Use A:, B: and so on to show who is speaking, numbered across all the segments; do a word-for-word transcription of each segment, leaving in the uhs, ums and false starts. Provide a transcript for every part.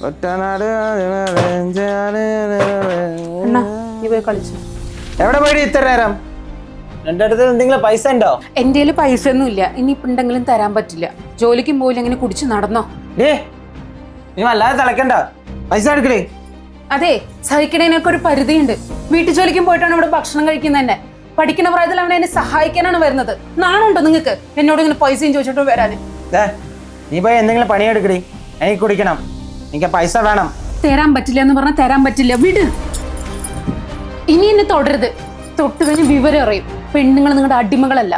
A: എവിടെ പോയി ഇത്ര നേരം? എന്റെ അടുത്ത് എന്തെങ്കിലും പൈസ ഉണ്ടോ?
B: എന്റെ കയ്യില് പൈസ ഒന്നും ഇല്ല. ഇനിയിപ്പോ ഉണ്ടെങ്കിലും തരാൻ പറ്റില്ല. ജോലിക്കും പോയില്ല, അങ്ങനെ കുടിച്ചു നടന്നോ?
A: നീ വല്ലാതെ തിളക്കണ്ട, പൈസ എടുക്കണേ.
B: അതെ, സഹിക്കണേനൊക്കെ ഒരു പരിധിയുണ്ട്. വീട്ടു ജോലിക്കും പോയിട്ടാണ് ഇവിടെ ഭക്ഷണം കഴിക്കുന്നത് തന്നെ. പഠിക്കുന്ന പ്രായത്തിൽ അവനെ എന്നെ സഹായിക്കാനാണ് വരുന്നത്. നാണുണ്ടോ നിങ്ങൾക്ക് എന്നോട് ഇങ്ങനെ പൈസയും ചോദിച്ചിട്ട് വരാന്?
A: നീ പോയി എന്തെങ്കിലും പണിയെടുക്കണേ, എനിക്ക് കുടിക്കണം, എനിക്ക് പൈസ വേണം.
B: തരാൻ പറ്റില്ല എന്ന് പറഞ്ഞാൽ തരാൻ പറ്റില്ല, വിട്. ഇനി എന്നെ തുടരുത്. തൊട്ട് കഴിഞ്ഞ് വിവരം അറിയും. പെണ്ണുങ്ങൾ നിങ്ങളുടെ അടിമകളല്ല.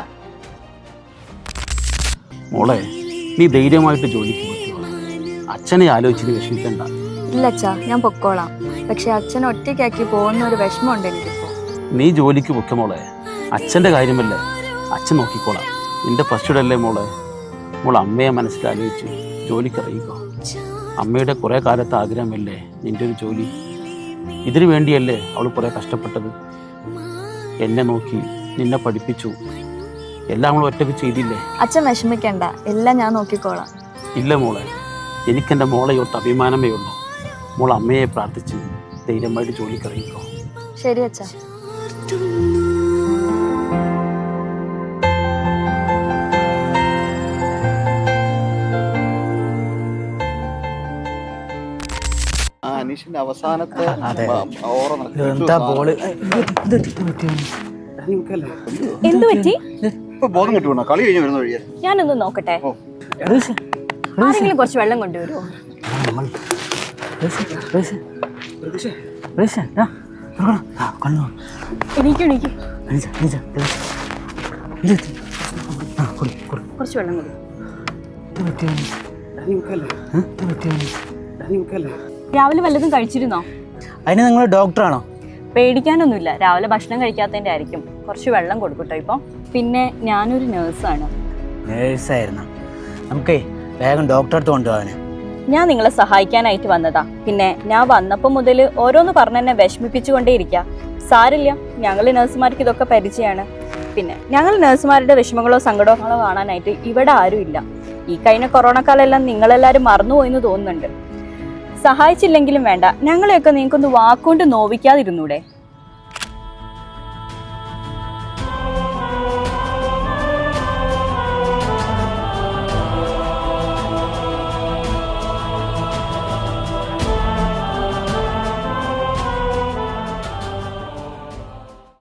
C: മോളെ, നീ ധൈര്യമായിട്ട് ജോലിക്ക് പറ്റുമോ? അച്ഛനെ ആലോചിച്ചിട്ട് വിഷമിക്കണ്ട.
D: ഇല്ല അച്ഛാ, ഞാൻ പൊക്കോളാം. പക്ഷെ അച്ഛൻ ഒറ്റയ്ക്കാക്കി പോകുന്ന ഒരു വിഷമമുണ്ട് എനിക്കിപ്പോ.
C: നീ ജോലിക്ക് പൊക്കെ മോളെ, അച്ഛൻ്റെ കാര്യമല്ലേ, അച്ഛൻ നോക്കിക്കോളാം. നിന്റെ ഫസ്റ്റ് അല്ലേ മോളെ. മോൾ അമ്മയെ മനസ്സിലാലോചിച്ച് ജോലിക്ക് അറിയിക്കോ. അമ്മയുടെ കുറേ കാലത്തെ ആഗ്രഹമല്ലേ നിന്റെ ഒരു ജോലി. ഇതിനു വേണ്ടിയല്ലേ അവൾ കുറേ കഷ്ടപ്പെട്ടത്. എന്നെ നോക്കി നിന്നെ പഠിപ്പിച്ചു, എല്ലാം നമ്മൾ ഒറ്റയ്ക്ക് ചെയ്തില്ലേ.
D: അച്ഛൻ വിഷമിക്കണ്ട, എല്ലാം ഞാൻ നോക്കിക്കോളാം.
C: ഇല്ല മോളെ, എനിക്കെൻ്റെ മോളെ ഒത്ത് അഭിമാനമേ ഉള്ളൂ. മോൾ അമ്മയെ പ്രാർത്ഥിച്ച് ധൈര്യമായിട്ട് ജോലിക്ക് അറിയിക്കോ.
D: ശരി അച്ഛാ.
E: അനീഷിന്റെ അവസാനത്തെ
F: എന്തു പറ്റി?
E: ബോധം കിട്ടുവാ, കളി കഴിഞ്ഞ് വരുന്ന വഴിയാ.
F: ഞാനൊന്ന് നോക്കട്ടെ. ആരെങ്കിലും കുറച്ച് വെള്ളം കൊണ്ടുവരുമോ? എനിക്ക് എനിക്ക് കുറച്ച് വെള്ളം കൊടുക്കും. രാവിലെ വല്ലതും കഴിച്ചിരുന്നോ?
A: അതിന് നിങ്ങൾ ഡോക്ടറാണോ?
F: പേടിക്കാനൊന്നുമില്ല, രാവിലെ ഭക്ഷണം കഴിക്കാത്തതിൻ്റെ ആയിരിക്കും. കുറച്ച് വെള്ളം കൊടുക്കട്ടോ. ഇപ്പം പിന്നെ ഞാനൊരു നേഴ്സാണ്.
A: നേഴ്സായിരുന്നു, നമുക്കേ വേഗം ഡോക്ടറെ അടുത്ത് കൊണ്ടുപോകാന്.
F: ഞാൻ നിങ്ങളെ സഹായിക്കാനായിട്ട് വന്നതാ. പിന്നെ ഞാൻ വന്നപ്പോൾ മുതൽ ഓരോന്ന് പറഞ്ഞ് എന്നെ വിഷമിപ്പിച്ചുകൊണ്ടേയിരിക്കുക. സാരില്ല, ഞങ്ങൾ നഴ്സുമാർക്ക് ഇതൊക്കെ പരിചയമാണ്. പിന്നെ ഞങ്ങൾ നഴ്സുമാരുടെ വിഷമങ്ങളോ സങ്കടങ്ങളോ കാണാനായിട്ട് ഇവിടെ ആരും ഇല്ല. ഈ കഴിഞ്ഞ കൊറോണ കാലമെല്ലാം നിങ്ങളെല്ലാവരും മറന്നുപോയെന്ന് തോന്നുന്നുണ്ട്. സഹായിച്ചില്ലെങ്കിലും വേണ്ട, ഞങ്ങളെയൊക്കെ നിങ്ങൾക്കൊന്ന് വാക്കുകൊണ്ട് നോവിക്കാതിരുന്നൂടെ?